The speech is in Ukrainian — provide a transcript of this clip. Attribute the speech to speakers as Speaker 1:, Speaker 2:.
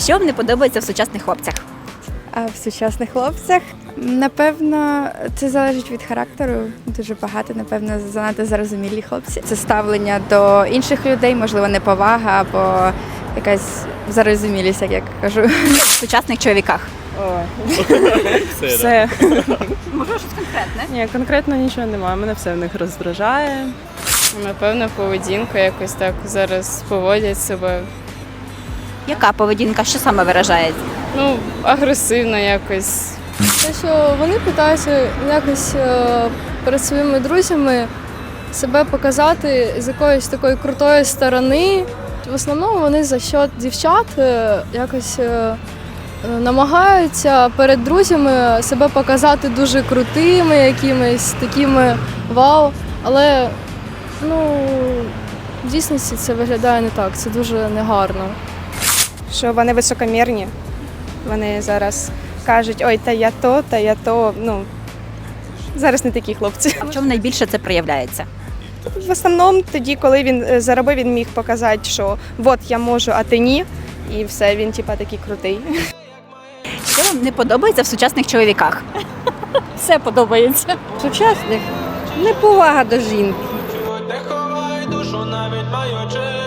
Speaker 1: Що вам не подобається в сучасних хлопцях?
Speaker 2: А в сучасних хлопцях, напевно, це залежить від характеру. Дуже багато, напевно, занадто зарозумілі хлопці. Це ставлення до інших людей, можливо, неповага або якась зарозумілість, як я кажу.
Speaker 1: В сучасних чоловіках.
Speaker 3: Все.
Speaker 1: Можливо, щось конкретне?
Speaker 3: Ні, конкретно нічого немає. Мене все в них роздражає.
Speaker 4: Напевно, поведінку якось так зараз поводять себе.
Speaker 1: Яка поведінка? Що саме виражається?
Speaker 4: Ну, агресивно якось.
Speaker 5: Те, що вони питаються якось перед своїми друзями себе показати з якоїсь такої крутої сторони. В основному вони за счет дівчат якось намагаються перед друзями себе показати дуже крутими, якимись такими вау. Але в дійсності це виглядає не так, це дуже негарно.
Speaker 6: Що вони високомірні. Вони зараз кажуть, ой, та я то. Ну, зараз не такі хлопці.
Speaker 1: А в чому найбільше це проявляється?
Speaker 6: В основному тоді, коли він заробив, він міг показати, що от я можу, а ти ні. І все, він типа такий крутий.
Speaker 1: Що вам не подобається в сучасних чоловіках?
Speaker 7: Все подобається. Сучасних неповага до жінки.
Speaker 8: Не ховай душу, навіть маючи